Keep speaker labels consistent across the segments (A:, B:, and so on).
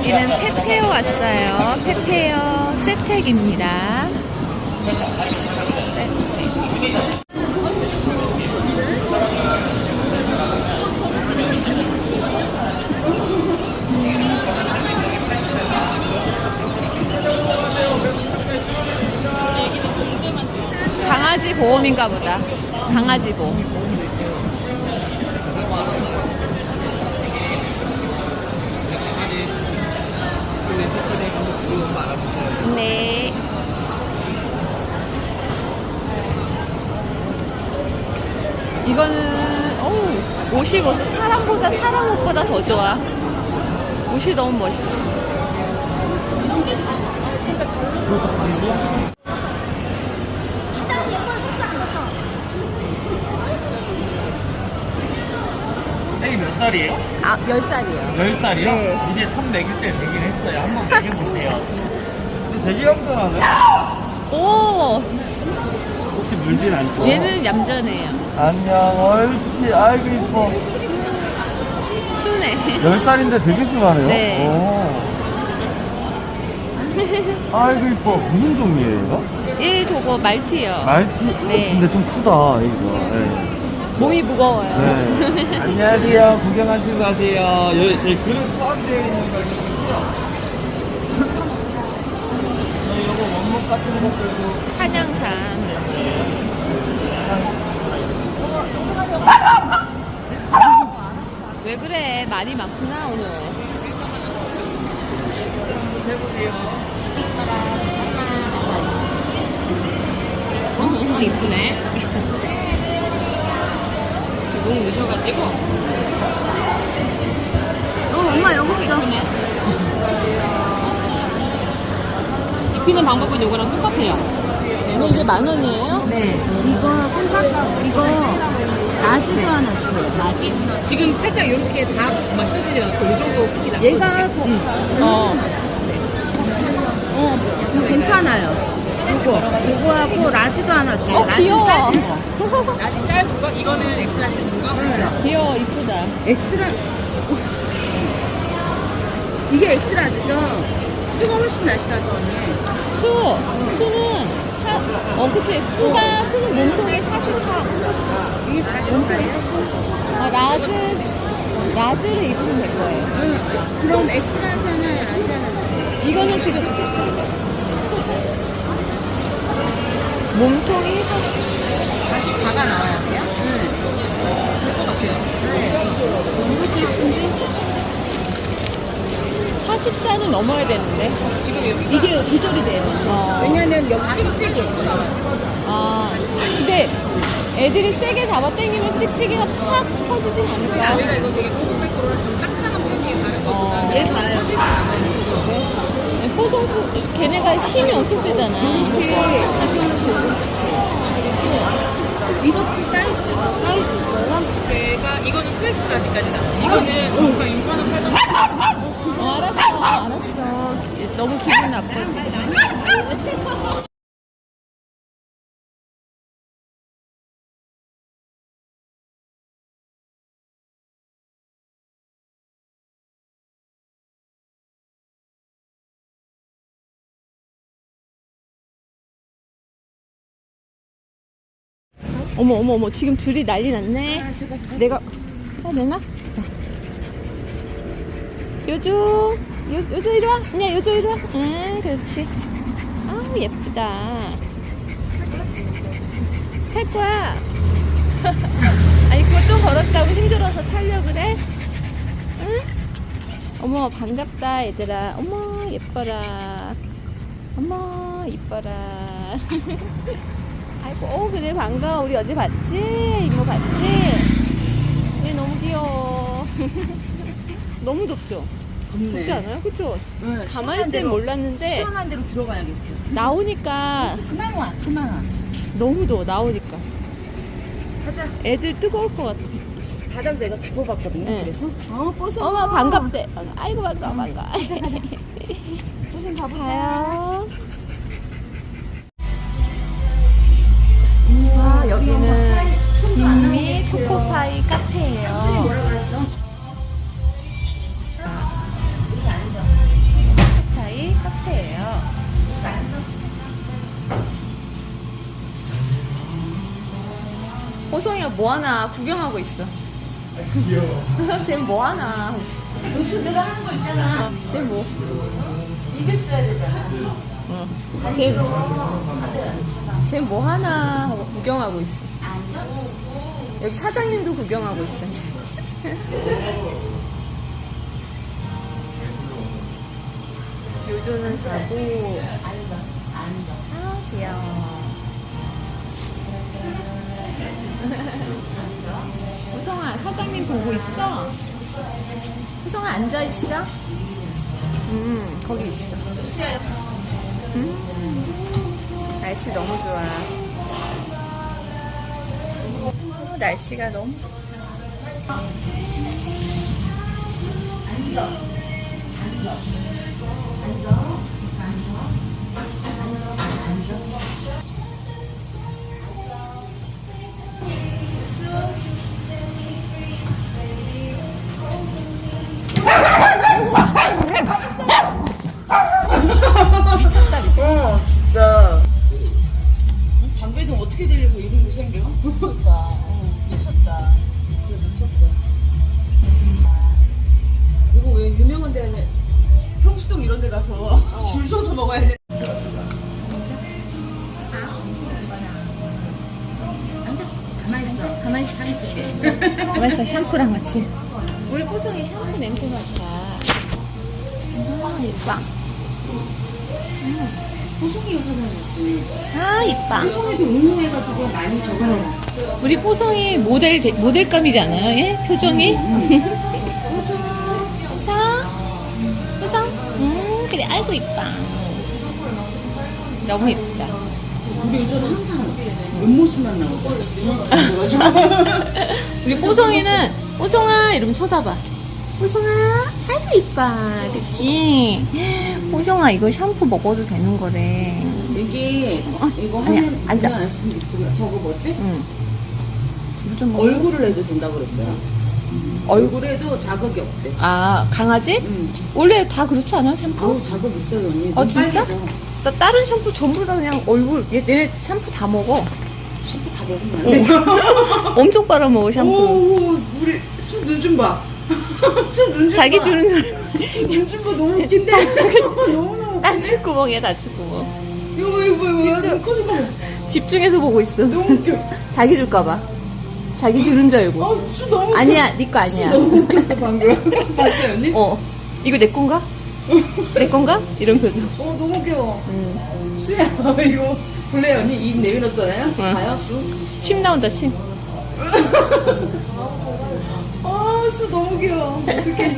A: 여기는 페페오 왔어요. 페페오 세택입니다. 강아지 보험인가 보다. 강아지 보험. 네. 이거는 옷이 벌써 사람 옷보다 더 좋아. 옷이 너무 멋있어.
B: 애기 몇 살이에요?
A: 10살이에요.
B: 10살이요?
A: 네.
B: 이제 3 먹일 때 되긴 했어요. 한번 먹여보세요. 근데 되게 얌전하네.
A: 오!
B: 혹시 물진 않죠?
A: 얘는 얌전해요.
B: 안녕, 옳지. 아이고, 이뻐.
A: 순해.
B: 10살인데 되게 순하네요.
A: 네.
B: 오. 아이고, 이뻐. 무슨 종이에요, 이거?
A: 얘 저거 말티요.
B: 말티?
A: 네.
B: 근데 좀 크다, 이거. 네.
A: 몸이 무거워요.
B: 네. 안녕하세요. 구경하시고 가세요. 여기 그릇 포함되어 있는 거거든요. 이거 원목 같은 것들도.
A: 사냥삼. 왜 그래? 말이 많구나, 오늘.
B: 해보세요.
C: 이쁘네. 너무 늦어가지고.
A: 엄마 여기 있어.
C: 입히는 방법은 이거랑 똑같아요.
A: 근데 이게 10,000원이에요?
C: 네.
D: 이거 꼼짝하고 이거 라지도 하나 주세요.
C: 맞지? 지금 살짝 이렇게 다 맞춰지지 않고 이 정도 크기 나.
D: 얘가 지금 괜찮아요. 이거하고 라지도 하나 주세요. 라지
A: 귀여워.
D: 짧은 거.
C: 아직 짧은 거? 이거는 엑스라 주는 거?
A: 귀여워, 이쁘다.
D: 엑스라 이게 엑스라지죠? 수가 훨씬 나시라죠 언니.
A: 수는 그치. 수는 몸통이 44.
D: 이게 40가예요?
A: 라즈를 입으면 될 거예요.
D: 그럼 엑스라지 하나 라지 하나 주세요.
A: 이거는 지금 몸통이 40.
C: 44가 나와야 돼요? 될것 같아요.
A: 이것도 예쁜데? 44는 넘어야 되는데.
C: 지금 여기
D: 이게 조절이 돼요. 왜냐면 여기 찍찍이.
A: 근데 애들이 세게 잡아 당기면 찍찍이가 팍 퍼지진 않을까?
C: 저희가 이거 되게 고급백도로 좀 짝짝한 분위기에 다른 것보다
D: 얘 봐요.
C: 퍼지지 않아요.
A: 호성수, 걔네가 힘이 엄청 세잖아.
D: 이것도 사이즈 있어요?
C: 걔가 이거는 2X까지까지 나와요. 이거는 저희가 6만원 팔던
A: 알았어. 너무 기분 나빠, 지금. 어머, 지금 둘이 난리 났네. 내가, 내놔? 자. 요조 이리 와. 아니야, 요조 이리 와. 응, 그렇지. 아우, 예쁘다. 탈 거야. 아니, 그거 좀 걸었다고 힘들어서 타려고 그래? 응? 어머, 반갑다, 얘들아. 어머, 예뻐라. 어머, 이뻐라. 아이고, 그래, 반가워. 우리 어제 봤지? 이모 봤지? 얘 너무 귀여워. 너무 덥죠? 덥지 않아요? 그쵸?
D: 네,
A: 가만히 있을 땐 몰랐는데,
D: 시원한 데로 들어가야겠어요.
A: 나오니까
D: 그만 와.
A: 너무 더워, 나오니까.
D: 가자.
A: 애들 뜨거울 것 같아.
D: 바닥 내가 짚어봤거든요.
A: 네.
D: 그래서 뽀송.
A: 어머, 반갑대. 아이고, 반가워.
D: 뽀송
A: 봐요. 여기는 김미 초코파이 카페예요. 뽀송이가 뭐하나 구경하고 있어.
B: 귀여워.
A: 쟤 뭐하나. 요즘 내가 하는 거 있잖아. 쟤 뭐. 이겼어야 되잖아. 응. 쟤 뭐하나 하고 구경하고 있어. 여기 사장님도 구경하고 있어. 요조는 자고. 아, 귀여워. 호성아, 사장님 보고 있어? 호성아, 앉아있어? 거기 있어. 날씨 너무 좋아. 날씨가 너무 좋다. 미쳤다, 미쳤어.
C: 진짜. 방배동 어떻게 되려고 이런 거 생겨? 그러니까. 미쳤다. 진짜 미쳤다. 이거 왜 유명한 데 아니야? 성수동 이런 데 가서 줄 서서 먹어야 돼.
A: 가만있어. 가만있어. 샴푸랑 같이. 우리 뽀송이 샴푸 냄새 맡아. 이뻐.
D: 보송이 요즘은
A: 아, 이뻐.
D: 보송이도 응용해가지고 많이 적어요.
A: 우리 뽀송이 모델감이지 않아요? 예? 표정이?
D: 보송.
A: 뽀송? 그래. 아이고, 이뻐. 너무 이쁘다.
D: 우리 요즘은 항상 옆모습만 나오죠.
A: 우리 뽀송이는 뽀송아 이러면 쳐다봐. 뽀송아 아이고 이뻐. 그치? 뽀송아 이거 샴푸 먹어도 되는 거래.
D: 이게 이거
A: 아니야,
D: 하는
A: 앉아.
D: 그냥 지금 저거 뭐지?
A: 응. 좀
D: 얼굴을 해도 된다고 그랬어요. 얼굴에도 자극이 없대.
A: 아 강아지?
D: 응.
A: 원래 다 그렇지 않아 샴푸?
D: 아우 자극 있어요 언니.
A: 아, 진짜?
D: 빨개져.
A: 나 다른 샴푸 전부 다 그냥 얼굴 얘네 샴푸 다 먹어.
D: 샴푸 다 먹으면 안 돼.
A: 엄청 빨아먹어 샴푸.
D: 오, 우리 수눈 좀 봐. 수눈 좀
A: 자기
D: 봐.
A: 주는 줄.
D: 눈좀 봐. 너무 웃긴데. 너무
A: 다치구멍이야 다치구멍.
D: 이거 눈코 좀 봐.
A: 집중해서 보고 있어.
D: 너무 웃겨.
A: 자기 줄까봐. 자기 주는 줄 알고.
D: 수 너무 웃겨.
A: 아니야 네 거 아니야.
D: 너무 웃겼어 방금. 봤어요 언니?
A: 이거 내 건가? 내 건가? 이런 표정.
D: 너무 귀여워. 수야 이거 볼래요 언니? 입 내밀었잖아요?
A: 응.
D: 봐요 수?
A: 침 나온다 침.
D: 수 너무 귀여워. 어떡해.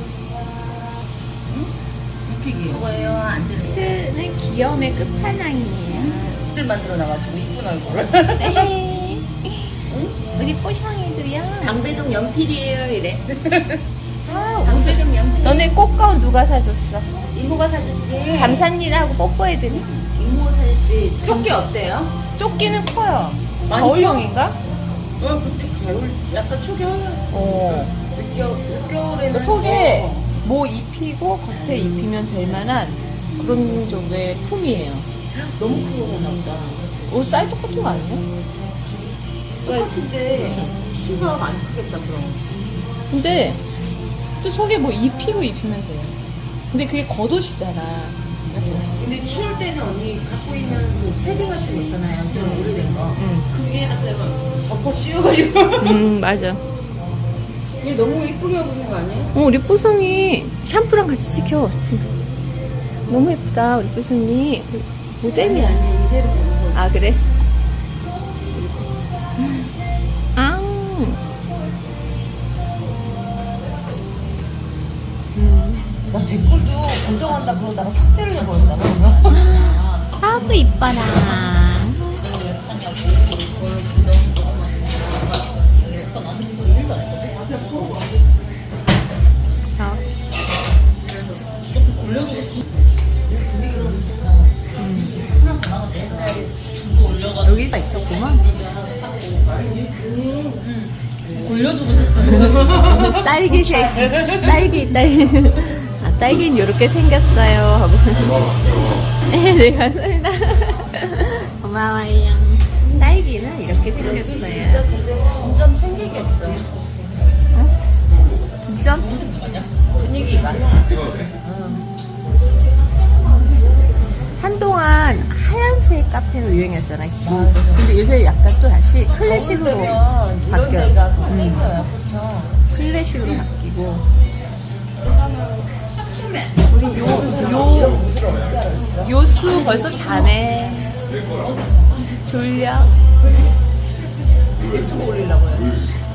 D: 웃기기. 이거예요 안 되는
A: 츠는 귀여움의 끝판왕이에요.
D: 를 만들어 놔가지고 이쁜 얼굴을.
A: 에헤이. 우리 뽀샹이도요.
D: 방배동 연필이에요 이래.
A: 방배동 연필. 너네 꽃가운 누가 사줬어?
D: 이모가 사줬지.
A: 감사합니다 하고 뽀뽀해드니?
D: 이모가 사줬지. 조끼 어때요?
A: 조끼는 커요.
D: 많이
A: 겨울용인가?
D: 그때 겨울 약간 초겨울 늦겨울에는
A: 속에 뭐 입히고 겉에 입히면 될 만한 그런 정도의 품이에요.
D: 너무 큰 거구나 보다.
A: 사이즈 똑같은 거 아니에요?
D: 똑같은데 수가 많이 크겠다 그럼.
A: 근데 또 속에 뭐 입히고 입히면 돼요. 근데 그게 겉옷이잖아.
D: 근데 추울 때는 언니 갖고 있는 그 패딩 같은 거 있잖아요. 좀 오래된 거. 그게에다 그래서 덮어 씌워가지고.
A: 맞아.
D: 얘 너무 이쁘게 하고 있는 거 아니에요?
A: 우리 뽀송이 샴푸랑 같이 찍혀. 너무 예쁘다, 우리 뽀송이. 모델이야.
D: 아니 이대로 보는 거.
A: 아, 그래? 아.
D: 나 댓글도 고정한다 그러다가 삭제를 해버렸다 그러면.
A: 아구 이뻐라. 여기가 있었구만.
C: 돌려주고 싶다.
A: 딸기 쉐이크. 딸기. 아, 딸기는 이렇게 생겼어요. 하고. 내가 설다. 고마워요. 딸기는 이렇게 생겼어요. 장점?
C: 분위기가.
A: 한동안 하얀색 카페가 유행이었잖아. 근데 요새 약간 또 다시 클래식으로
C: 이런
A: 바뀌어요.
C: 데가 더 땡겨요. 그쵸?
A: 클래식으로 바뀌고. 우리 요수 벌써 자네. 졸려?
C: 유튜브 올리려고요.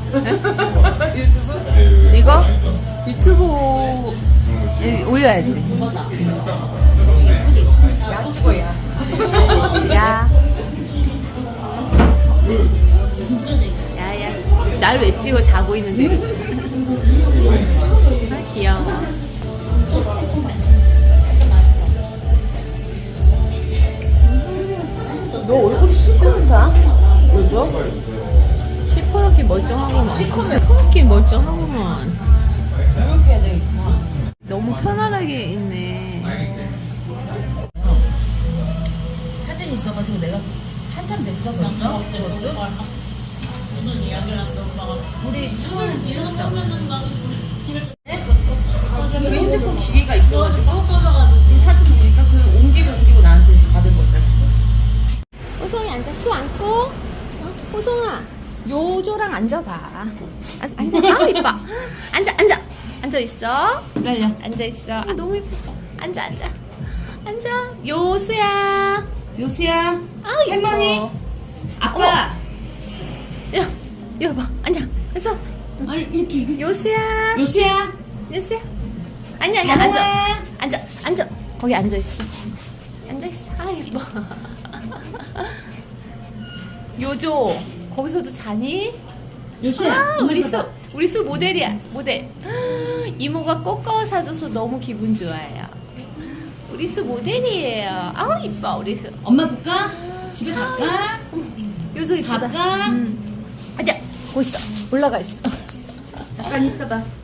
A: 이거? 유튜브 올려야지.
C: 야 찍어야.
A: 야. 야야. 날 왜 찍어 자고 있는데. 아, 귀여워.
C: 너 얼굴이 시커멓다. 왜죠?
A: 시퍼렇게 멀쩡하구만. 시퍼렇게 멀쩡하구만.
C: 이렇게 해야 되겠구나.
A: 너무 편안하게 있네.
C: 사진 있어가지고 내가 한참 냈었거든요. 그것도. 우리 처음 여기 핸드폰 기계가 있어가지고 이 사진 보니까 그 옮기고 나한테 받은 거죠.
A: 호송이 앉아. 수 안고. 어? 호송아. 요조랑 앉아봐. 앉아. 아 이뻐. 앉아 있어.
C: 기다려.
A: 앉아 있어. 아 너무 이뻐. 앉아. 요수야.
C: 요수야.
A: 아 이뻐.
C: 할머니. 아빠.
A: 야, 이거 봐. 앉아. 그래서
C: 아니 이렇게.
A: 요수야.
C: 요수야.
A: 아니야.
C: 다롱아.
A: 앉아. 거기 앉아 있어. 아 이뻐. 요조. 거기서도 자니?
C: 요수야.
A: 아,
C: 엄마
A: 우리
C: 봐봐.
A: 수 모델이야. 모델. 이모가 꽃가워 사줘서 너무 기분 좋아요. 우리 수 모델이에요. 아우 이뻐 우리 수.
C: 엄마 볼까? 집에 갈까?
A: 요소 이쁘다.
C: 갈까?
A: 아니야. 거기 있어. 올라가 있어.
C: 잠깐 있어봐.